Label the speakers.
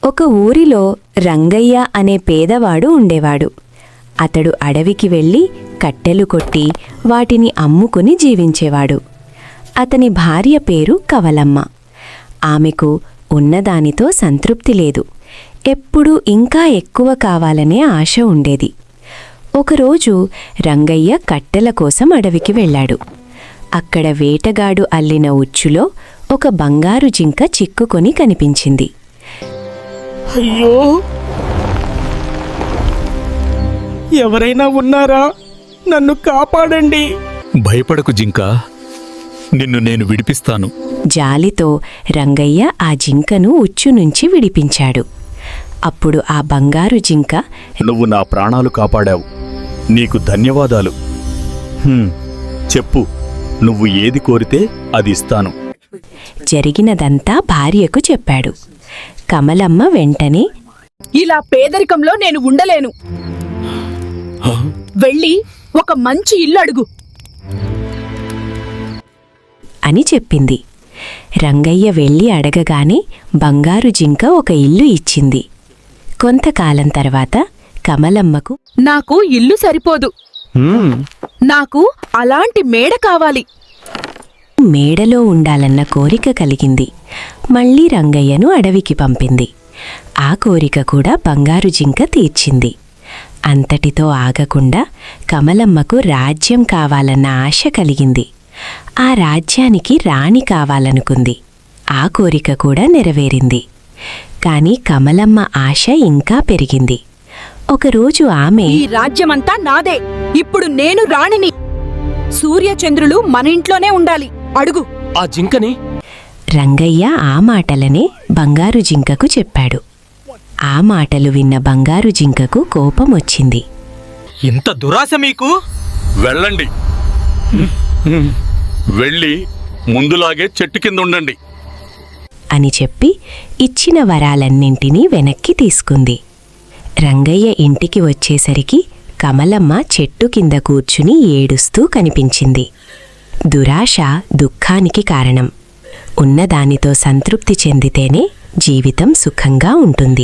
Speaker 1: ఒక ఊరిలో రంగయ్య అనే పేదవాడు ఉండేవాడు. అతడు అడవికి వెళ్ళి కట్టెలు కొట్టి వాటిని అమ్ముకుని జీవించేవాడు. అతని భార్య పేరు కవలమ్మ. ఆమెకు ఉన్నదానితో సంతృప్తి లేదు. ఎప్పుడూ ఇంకా ఎక్కువ కావాలనే ఆశ ఉండేది. ఒకరోజు రంగయ్య కట్టెల కోసం అడవికి వెళ్ళాడు. అక్కడ వేటగాడు అల్లిన ఉచ్చులో ఒక బంగారు జింక చిక్కుకొని కనిపించింది.
Speaker 2: అయ్యో, ఎవరైనా ఉన్నారా? నన్ను కాపాడండి.
Speaker 3: భయపడకు జింకా, నిన్ను నేను విడిపిస్తాను.
Speaker 1: జాలితో రంగయ్య ఆ జింకను ఉచ్చు నుంచి విడిపించాడు. అప్పుడు ఆ బంగారు జింక,
Speaker 3: నువ్వు నా ప్రాణాలు కాపాడావు, నీకు ధన్యవాదాలు. చెప్పు, నువ్వు ఏది కోరితే అది ఇస్తాను.
Speaker 1: జరిగినదంతా భార్యకు చెప్పాడు. కమలమ్మ వెంటనే,
Speaker 4: ఇలా పేదరికంలో నేను ఉండలేను. వెళ్ళి ఒక మంచి ఇల్లు అడుగు
Speaker 1: అని చెప్పింది. రంగయ్య వెళ్ళి అడగగానే బంగారు జింక ఒక ఇల్లు ఇచ్చింది. కొంతకాలం తర్వాత కమలమ్మకు,
Speaker 4: నాకు ఇల్లు సరిపోదు, నాకు అలాంటి మేడ కావాలి.
Speaker 1: మేడలో ఉండాలన్న కోరిక కలిగింది. మళ్ళీ రంగయ్యను అడవికి పంపింది. ఆ కోరిక కూడా బంగారు జింక తీర్చింది. అంతటితో ఆగకుండా కమలమ్మకు రాజ్యం కావాలన్న ఆశ కలిగింది. ఆ రాజ్యానికి రాణి కావాలనుకుంది. ఆ కోరిక కూడా నెరవేరింది. కాని కమలమ్మ ఆశ ఇంకా పెరిగింది. ఒకరోజు ఆమె,
Speaker 4: ఈ రాజ్యమంతా నాదే, ఇప్పుడు నేను రాణిని. సూర్యచంద్రులు మన ఇంట్లోనే ఉండాలి, అడుగు.
Speaker 2: ఆ జింకని
Speaker 1: రంగయ్య ఆ మాటలనే బంగారు జింకకు చెప్పాడు. ఆ మాటలు విన్న బంగారు జింకకు కోపం వచ్చింది.
Speaker 2: ఇంత దురాశ మీకు?
Speaker 3: వెళ్ళండి, వెళ్ళి ముందులాగే చెట్టు కింద ఉండండి
Speaker 1: అని చెప్పి ఇచ్చిన వరాలన్నింటినీ వెనక్కి తీసుకుంది. రంగయ్య ఇంటికి వచ్చేసరికి కమలమ్మ చెట్టు కింద కూర్చుని ఏడుస్తూ కనిపించింది. దురాశ దుఃఖానికి కారణం. ఉన్నదానితో సంతృప్తి చెందితేనే జీవితం సుఖంగా ఉంటుంది.